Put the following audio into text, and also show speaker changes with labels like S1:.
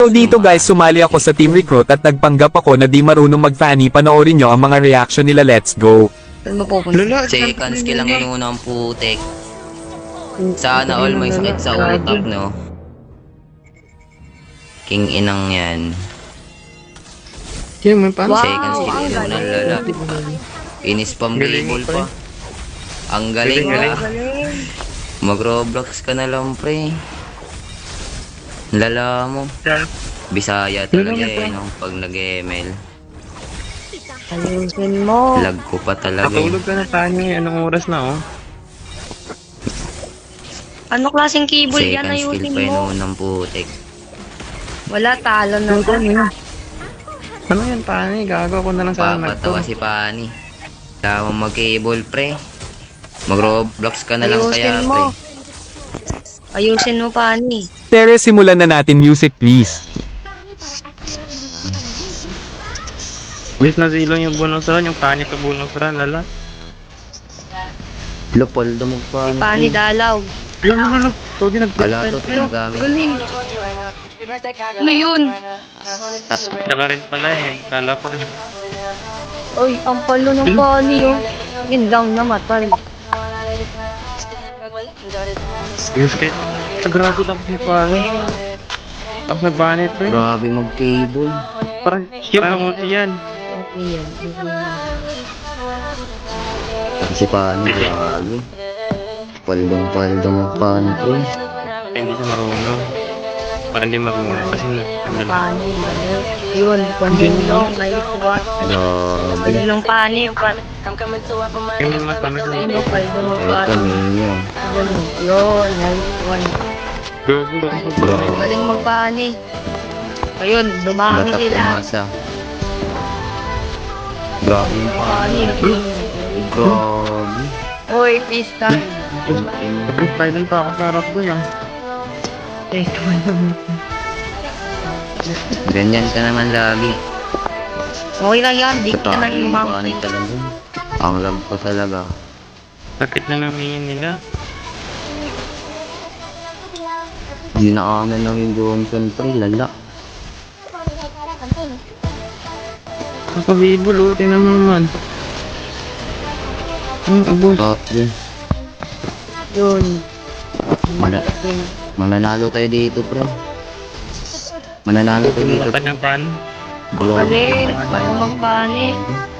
S1: So dito guys, sumali ako sa Team Recruit at nagpanggap ako na di marunong mag-fanny. Panoorin nyo ang mga reaction nila. Let's go.
S2: Saan mapupunta?
S3: Lala,
S4: Second skill ang inuna ang putek. Sana all may sakit sa utak, no? King inang yan.
S3: Yan, may paano?
S2: Wow,
S4: Second skill
S2: ang
S4: inuna,
S2: galing.
S4: lala. Inispam
S3: Galing
S4: cable
S3: pre.
S4: pa. Ang galing
S3: Galing,
S4: ka.
S2: Galing.
S4: Mag-Roblox ka na lang, pre. Lala mo. Bisaya talaga eh, no? Pag nag-ML.
S2: Ayusin mo.
S4: Lag ko pa talaga.
S3: Natulog ka na tayo eh. Anong oras na oh?
S2: Ano klaseng cable yan?
S4: Second skill
S2: Ayusin
S4: pa
S2: mo.
S4: yun ng putek.
S2: Wala, talo na.
S3: Ano yan, paano eh? Gago ako na lang sana
S4: Papatawa si Pani. Kaya mo mag-cable, pre. Mag-Roblox ka na lang kaya,
S2: Ayusin
S4: pre.
S2: mo. Ayusin mo, Pani.
S1: Tere, simulan na natin. Music please.
S3: Wait na zilo yung bonusran, yung panit na bonusran, lala.
S4: Lopoldo mo pa.
S2: Pani dalaw.
S3: Lala. Togi
S4: Wala to, tinagamit.
S2: Galing. Ano yun?
S3: Tsaka rin pala eh. Kala ko.
S2: Oy, ang palo ng Pani, oh. Yun lang na matal.
S3: Yes, kaya. Grabe tapos ni Pani. Tapos na banit pre.
S4: Grabe mag-cable.
S3: Parang muti yan.
S2: Okay yan.
S4: Si Pani, grabe. Paldong-paldong mo Pani, pre.
S3: Hindi siya marunong. Parang hindi marunong kasi
S2: Pani, galing. Yun, panilong, naikuha.
S4: Grabe.
S2: Panilong Pani.
S3: Kaya mas paano siya.
S2: Ano, paldo mo
S4: Eh,
S2: Pani.
S4: kami yun.
S2: Yun, naikuha.
S4: Grabe.
S2: Galing magpani. Ayun, dumami
S4: Batak
S2: sila.
S4: umasa. Grabe yung Pani.
S2: Pani.
S4: Grabe.
S2: Uy, pista.
S3: Final pa ako sa harap ko yan.
S4: Ganyan ka naman lagi.
S2: Okay lang yan, di ka nang
S4: Yung
S2: umang.
S4: Pani talaga. Ang lag ko talaga.
S3: Sakit na namin nila.
S4: Di na kami lang yung Johnson, pre. Lala.
S3: Kakabibol oh, tinan mo naman. Ang abos.
S4: Grabe.
S2: Yun.
S4: Mananalo tayo dito, pre. Mananalo tayo dito.
S3: Kanyang pan.
S4: Grabe.
S2: Galing, magpani.